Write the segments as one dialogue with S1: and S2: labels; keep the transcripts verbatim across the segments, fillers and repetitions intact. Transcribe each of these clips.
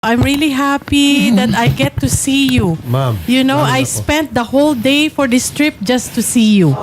S1: I'm really happy that I get to see you.
S2: Ma'am,
S1: You know,
S2: lalo
S1: I
S2: na po.
S1: spent the whole day for this trip just to see you.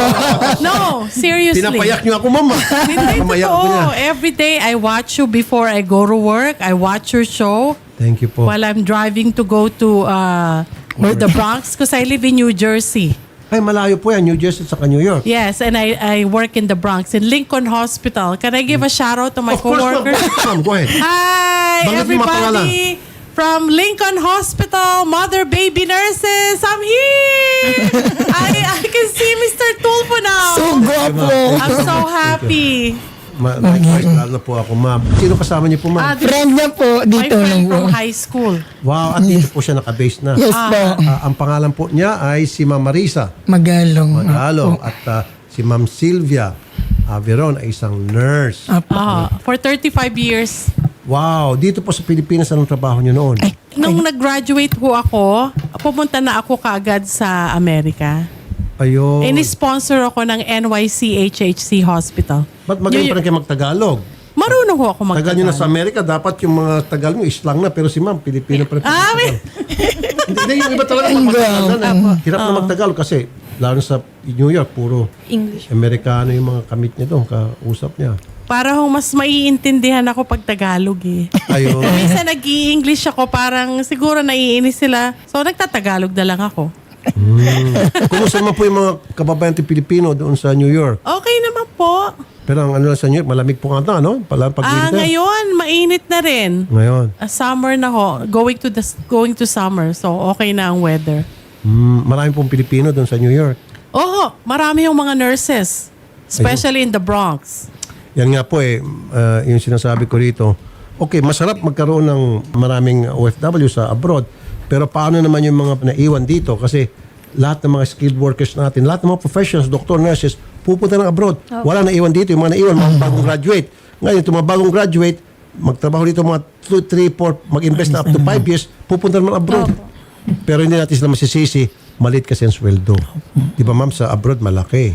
S1: No, seriously.
S2: Pinapayak niyo ako, ma'am.
S1: Hindi
S2: Pamayak ko niya.
S1: totoo. Every day I watch you before I go to work. I watch your show
S2: Thank you po.
S1: while I'm driving to go to uh, the Bronx because I live in New Jersey.
S2: Ay, malayo po yan. New Jersey at saka New York.
S1: Yes, and I, I work in the Bronx, in Lincoln Hospital. Can I give a shout out to my
S2: Of course, ma'am.
S1: coworkers?
S2: Ma'am, go ahead.
S1: Hi,
S2: Banggit mo mga
S1: everybody from Lincoln Hospital, mother baby nurses. I'm here. I I can see Mister Tulfo now.
S3: So guwapo.
S1: I'm so happy.
S2: Ma Likewise, lalo na po ako, ma'am. Sino kasama niyo po,
S1: Ah,
S2: ma'am?
S1: this
S3: Friend niya po
S1: my
S3: dito
S1: friend
S3: lang po.
S1: from high school.
S2: Wow, at dito po siya nakabase na.
S3: Yes po.
S2: Ah, ang pangalan po niya ay si Ma'am Marisa
S3: Magalong.
S2: Magalong at ah, si Ma'am Sylvia Averon ay isang nurse.
S3: Apo.
S1: Ah, for thirty-five years.
S2: Wow, dito po sa Pilipinas, anong trabaho niyo noon?
S3: Ay,
S1: Nung nag-graduate ho ako, pumunta na ako kaagad sa Amerika.
S2: Ayun.
S1: Ini-sponsor ako ng N Y C H H C Hospital.
S2: Ba't magaling pa rin kayo magtagalog?
S1: Marunong ho ako
S2: Tagal nyo na
S1: magtagalog.
S2: sa Amerika, dapat yung mga tagal mo islang na, pero si ma'am, Pilipino pa rin.
S1: Ah, may-
S2: Hindi, hindi, yung iba talaga magtagal na. Hirap na magtagalog kasi, lalo sa New York, puro
S4: English.
S2: Amerikano yung mga kamit niya doon, kausap niya.
S1: para hong mas maiintindihan ako pag Tagalog eh.
S2: Ayun.
S1: Minsan nag-i-English ako, parang siguro naiinis sila. So nagtatagalog na lang ako.
S2: Hmm. Kumusta naman po yung mga kababayan natin Pilipino doon sa New York?
S1: Okay naman po.
S2: Pero ang ano lang sa New York, malamig po nga ito, ano? Pala pag
S1: Ah, ngayon, mainit na rin.
S2: Ngayon.
S1: Ah, summer na ho. Going to the going to summer. So okay na ang weather.
S2: Hmm, marami pong Pilipino doon sa New York.
S1: Oo, marami yung mga nurses. Especially in the Bronx.
S2: Yan nga po eh, uh, yung sinasabi ko rito. Okay, masarap magkaroon ng maraming O F W sa abroad. Pero paano naman yung mga naiwan dito? Kasi lahat ng mga skilled workers natin, lahat ng mga professionals, doctor, nurses, pupunta ng abroad. Wala naiwan dito. Yung mga naiwan, mga bagong graduate. Ngayon, itong mga bagong graduate, magtrabaho dito mga two, three, four, mag-invest na up to five years, pupunta naman abroad. Pero hindi natin sila masisisi, maliit kasi ang sweldo. Di ba ma'am, sa abroad malaki.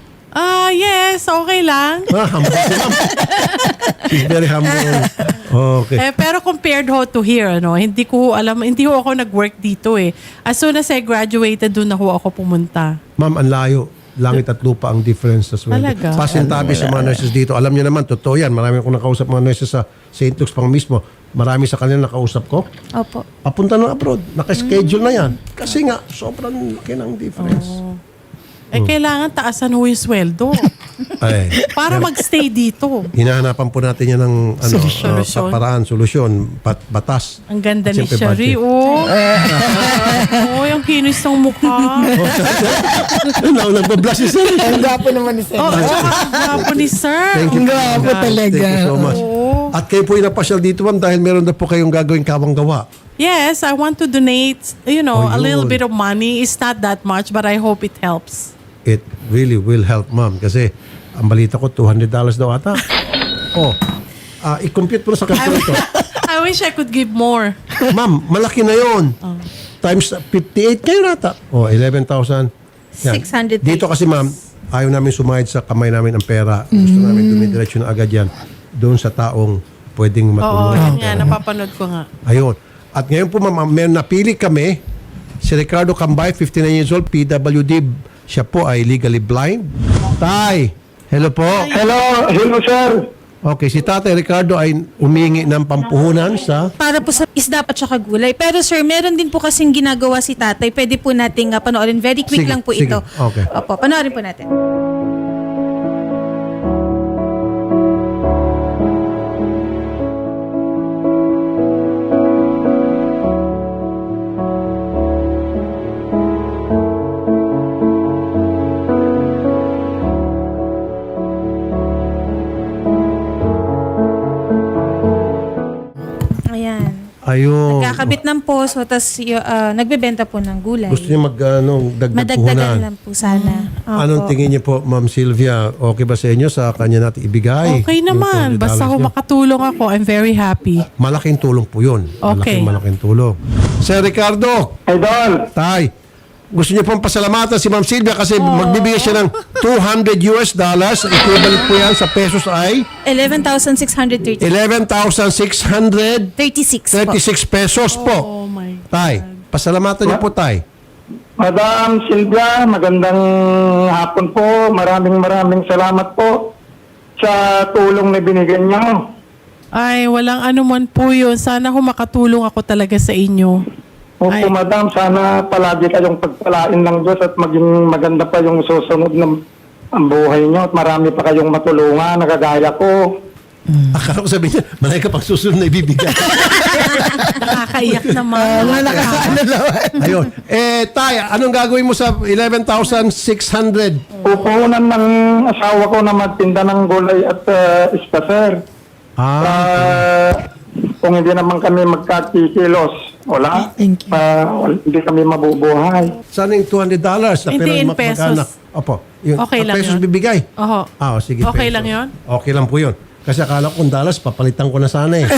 S1: Ah, yes, okay lang.
S2: Ah, humble si ma'am. She's very humble. Okay.
S1: Eh, pero compared ho to here, ano, hindi ko alam, hindi ho ako nag-work dito eh. As soon as I graduated, doon na ho ako pumunta.
S2: Ma'am, ang layo. Langit at lupa ang difference sa sweldo.
S1: Talaga?
S2: Pasintabi sa mga nurses dito. Alam niyo naman, totoo yan. Marami akong nakausap mga nurses sa Saint Luke's pang mismo. Marami sa kanila nakausap ko.
S4: Opo.
S2: Papunta ng abroad. Naka-schedule na yan. Kasi nga, sobrang laki ng difference.
S1: Eh, kailangan taasan ho yung sweldo
S2: Ay.
S1: para magstay dito.
S2: Hinahanapan po natin yan ng ano,
S1: Solusyon.
S2: uh, pa- paraan, solusyon, pat, batas.
S1: Ang ganda
S2: At
S1: ni
S2: siyempre,
S1: Shari,
S2: budget.
S1: oh. Oh, yung kinis ng mukha.
S2: Ano, nagbablush si sir.
S3: Ang gwapo naman ni Sir.
S1: Oh, ang gwapo ni Sir.
S2: Thank you.
S3: Ang gwapo talaga.
S2: Thank you so much.
S1: Oo.
S2: At kayo po inapasyal dito, ma'am, dahil meron na po kayong gagawing kawang gawa.
S1: Yes, I want to donate, you know,
S2: Oh,
S1: a little
S2: yun.
S1: bit of money. It's not that much, but I hope it helps.
S2: It really will help, ma'am. Kasi ang balita ko, two hundred dollars daw ata. Oh, ah i-compute mo na sa calculator.
S1: I wish I could give more.
S2: Ma'am, malaki na yon. Times fifty-eight kayo nata. Oh, eleven thousand.
S4: six hundred.
S2: Dito kasi, ma'am, ayaw namin sumayad sa kamay namin ang pera. Gusto namin dumidiretso na agad yan doon sa taong pwedeng
S1: Oo,
S2: matulungan.
S1: yun nga, napapanood ko nga.
S2: Ayun. At ngayon po, ma'am, may napili kami. Si Ricardo Cambay, fifty-nine years old, P W D. Siya po ay legally blind. Tay, hello po.
S5: Hello, hello sir.
S2: Okay, si Tatay Ricardo ay umingi ng pampuhunan sa...
S4: Para po sa isda at saka gulay. Pero sir, meron din po kasing ginagawa si tatay. Pwede po nating uh, panoorin. Very quick
S2: Sige,
S4: lang po
S2: sige.
S4: ito.
S2: Okay.
S4: Opo, panoorin po natin. Ayan.
S2: Ayun.
S4: Kakabit ng poso, tapos uh, nagbebenta po ng gulay.
S2: Gusto niyo mag, ano, dagdag
S4: Madagdagan
S2: puhunan.
S4: lang po sana. Opo.
S2: Anong tingin niyo po, Ma'am Sylvia? Okay ba sa inyo sa kanya natin ibigay?
S1: Okay
S2: Yung
S1: naman.
S2: two hundred
S1: Basta
S2: dollars
S1: ho
S2: niyo?
S1: makatulong ako, I'm very happy.
S2: Malaking tulong po yun.
S1: Okay.
S2: Malaking, malaking tulong. Sir Ricardo,
S5: Idol,
S2: Tay, gusto niyo pong pasalamatan si Ma'am Sylvia kasi magbibigay siya ng two hundred U S dollars. Equivalent po yan sa pesos ay
S4: eleven thousand six hundred thirty.
S2: eleven thousand six hundred
S4: thirty-six po.
S2: thirty-six pesos
S1: Oh
S2: po.
S1: my.
S2: Tay, pasalamatan niyo po, Tay.
S5: Madam Silvia, magandang hapon po. Maraming maraming salamat po sa tulong na binigyan niyo.
S1: Ay, walang anuman po yun. Sana ho makatulong ako talaga sa inyo.
S5: Opo,
S1: Ay.
S5: madam, sana palagi kayong pagpalain ng Diyos at maging maganda pa yung susunod ng ang buhay niyo at marami pa kayong matulungan, nagagaya ko.
S2: Akala ko sabihin niya, malay ka pang susunod na ibibigay.
S1: Nakakaiyak naman.
S3: Wala nakakaano naman.
S2: Ayun. Eh, Tay, anong gagawin mo sa eleven thousand six hundred?
S5: Pupunan ng asawa ko na magtinda ng gulay at uh, isda, sir.
S2: Ah,
S5: Ah, kung hindi naman kami magkakikilos, wala.
S3: Thank you.
S5: Ah, wal- hindi kami mabubuhay.
S2: sana yung two hundred dollars na
S1: Hindi,
S2: pero
S1: in
S2: mag-
S1: pesos.
S2: mag-anak. Opo. Yung,
S1: Okay
S2: ang
S1: lang
S2: pesos
S1: yun.
S2: bibigay.
S1: Oho.
S2: Ah, oh, sige.
S1: Okay
S2: pesos.
S1: lang yun?
S2: Okay lang po yun. Kasi akala ko kung dollars, papalitan ko na sana eh.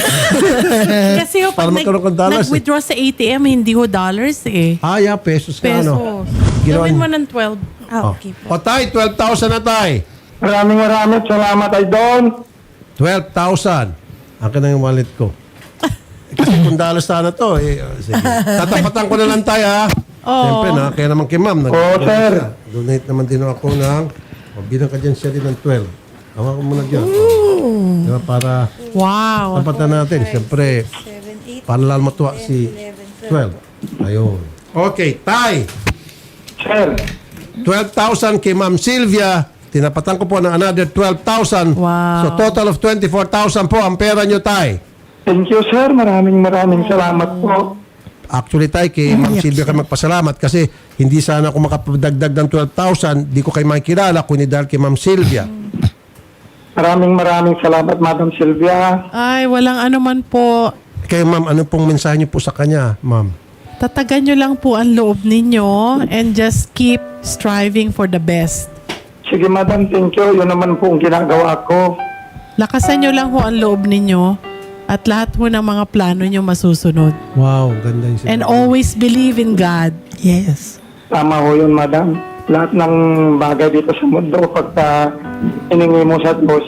S1: Kasi ho,
S2: Para
S1: pag
S2: magkaroon
S1: nag,
S2: ng dollars eh.
S1: nag-withdraw sa A T M, hindi ho dollars eh.
S2: ah, yeah, pesos ka
S1: Pesos.
S2: ano. Ginawa
S1: Gawin
S2: niyo.
S1: mo ng twelve.
S4: Ah, okay po.
S2: O, Tay, twelve thousand na, Tay.
S5: Maraming maraming salamat, Idol.
S2: twelve thousand. Akin na yung wallet ko. Eh, kasi kung dollars sana to, eh, oh, sige. Tatapatan ko na lang, Tay, ha?
S1: Oo.
S2: Siyempre na, kaya naman kay ma'am. nag-
S5: Oo, sir.
S2: Donate naman din ako ng, o, bilang ka dyan siya din ng twelve. Hawa ko muna dyan. Diba, para
S1: Wow.
S2: tapatan natin. Siyempre, para lang matuwa si twelve. Ayun. Okay, Tay.
S5: Sir,
S2: twelve thousand kay Ma'am Sylvia. Tinapatan ko po ng another twelve thousand.
S1: Wow.
S2: So total of twenty-four thousand po ang pera nyo, Tay.
S5: thank you, sir. Maraming maraming salamat po.
S2: Actually, Tay, kay Ma'am Sylvia kayo magpasalamat kasi hindi sana ako makapagdagdag ng twelve thousand. Di ko kayo makikilala kundi dahil kay Ma'am Sylvia.
S5: Maraming maraming salamat, Madam Sylvia.
S1: Ay, walang anuman po.
S2: Kaya Ma'am, ano pong mensahe nyo po sa kanya, Ma'am?
S1: Tatagan nyo lang po ang loob ninyo and just keep striving for the best.
S5: Sige, Madam, thank you. Yun naman po ang ginagawa ko.
S1: Lakasan nyo lang po ang loob ninyo at lahat po ng mga plano nyo masusunod.
S2: Wow, ganda yung
S1: And always believe in God.
S3: Yes.
S5: Tama ho yun, Madam. Lahat ng bagay dito sa mundo, pagka iningi mo sa Diyos,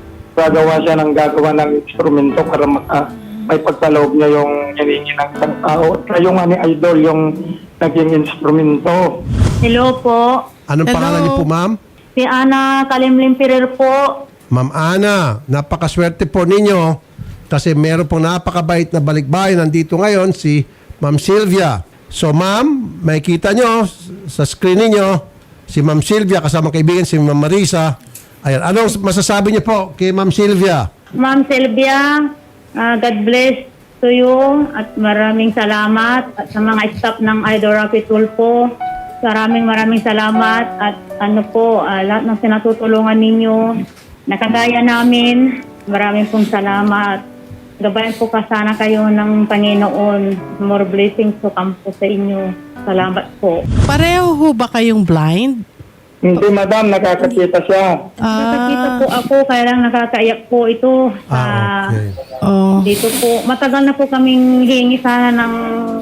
S5: gagawa siya ng gagawa ng instrumento para maka, may pagkaloob niya yung hiningi ng isang tao. At kayo nga ni Idol yung naging instrumento.
S6: Hello po.
S2: Anong
S1: Hello.
S2: pangalan niyo po, Ma'am?
S6: Si Ana Kalimlim Pirer po.
S2: Ma'am Ana, napakaswerte po ninyo kasi meron pong napakabait na balikbayan nandito ngayon si Ma'am Sylvia. So Ma'am, makikita nyo sa screen ninyo si Ma'am Sylvia kasama kaibigan si Ma'am Marisa. Ayan, anong masasabi niyo po kay Ma'am Sylvia?
S6: Ma'am Sylvia, ah, God bless to you at maraming salamat at sa mga staff ng Idol Rapi Tulfo. Maraming maraming salamat at ano po, ah, lahat ng sinatutulungan ninyo. Nakagaya namin, maraming pong salamat. Gabayan po ka sana kayo ng Panginoon. More blessings to come po sa inyo. Salamat po.
S1: Pareho ho ba kayong blind?
S5: Hindi, Madam, nakakakita siya.
S6: Nakakita
S1: Ah,
S6: po ako, kaya lang nakakaiyak po ito. Sa,
S2: Ah, okay.
S1: oh.
S6: Dito po, matagal na po kaming hingi sana ng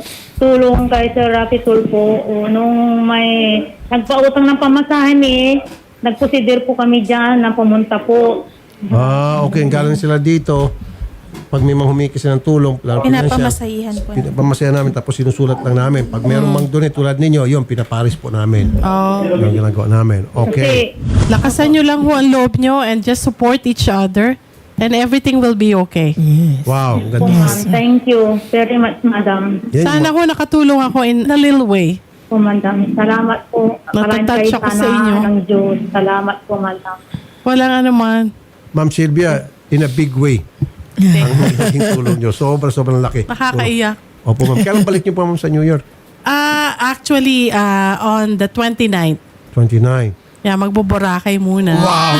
S6: tulong kay Sir Rapi Tulfo. O, nung may nagpautang ng pamasahin eh, nagpusidir po kami dyan na pumunta po.
S2: Ah, okay, galing sila dito. Pag may mga humiki sila ng tulong, lalo
S4: Pinapamasahihan po.
S2: pinapamasayan namin tapos sinusulat lang namin. Pag merong mang donate tulad ninyo, yun, pinaparis po namin.
S1: Oh.
S2: Yung ginagawa namin. Okay.
S6: Kasi
S1: Lakasan nyo lang ho ang loob nyo and just support each other and everything will be okay.
S2: Wow, ang
S6: po,
S2: ganda.
S6: ma'am, thank you very much, madam.
S2: Yan,
S1: Sana ho nakatulong ako in a little way.
S6: Po, madam. Salamat po. Maraming
S1: Natatouch
S6: kayo
S1: ako sa
S6: sana
S1: inyo.
S6: ng Diyos. Salamat po, madam.
S1: Walang anuman.
S2: Ma'am Sylvia, in a big way. Ang naging tulong nyo. Sobra, sobrang laki.
S1: Nakakaiyak.
S2: Opo, ma'am. Kailan balik nyo po, ma'am, sa New York?
S1: Ah, actually, ah, on the twenty-ninth.
S2: twenty-nine.
S1: Yeah, magbuburakay muna.
S2: Wow!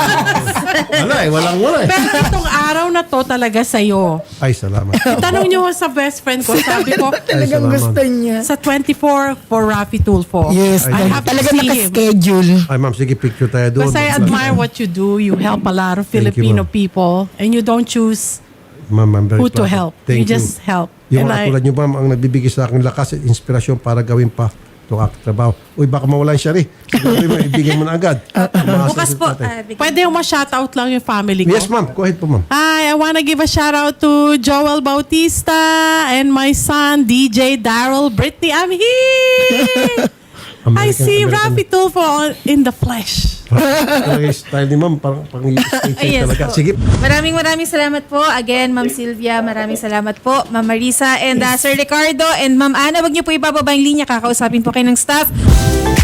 S2: Wala eh, walang wala eh.
S1: Pero itong araw na to talaga sa'yo.
S2: Ay, salamat.
S1: Tanong nyo sa best friend ko, sabi ko,
S3: Talagang
S2: salamat.
S3: gusto niya.
S1: sa twenty-four for Rafi Tulfo.
S3: Yes.
S1: I have to
S3: Talagang
S1: see him.
S3: nakaschedule.
S2: Ay, ma'am, sige, picture tayo doon.
S1: Because I admire what you do. You help a lot of
S2: Thank you,
S1: Filipino
S2: ma'am.
S1: people and you don't choose
S2: Ma'am, I'm very
S1: who to
S2: proud.
S1: help.
S2: Thank
S1: you just help.
S2: Yung
S1: And
S2: mga
S1: I-
S2: tulad nyo, ma'am, ang nagbibigay sa akin lakas at inspirasyon para gawin pa gusto katrabaho. Uy, baka mawalan siya rin. Siguro mo, ibigay mo na agad. Umaasa
S4: Bukas
S2: si
S4: po.
S2: tatay.
S4: ah, bigyan-
S1: Pwede yung ma-shoutout lang yung family ko.
S2: Yes, ma'am. Go ahead po, ma'am.
S1: Hi, I wanna give a shout out to Joel Bautista and my son, D J Daryl Brittany. I'm here! I
S2: American-
S1: see
S2: American-
S1: Rafi Tulfo on- in the flesh.
S2: Talaga yung style ni ma'am, parang pang stage
S4: Yes
S2: talaga.
S4: po.
S2: Sige.
S4: Maraming maraming salamat po. Again, Ma'am Sylvia, maraming salamat po. Ma'am Marisa and uh, Sir Ricardo and Ma'am Ana, wag niyo po ibababa yung linya. Kakausapin po kayo ng staff.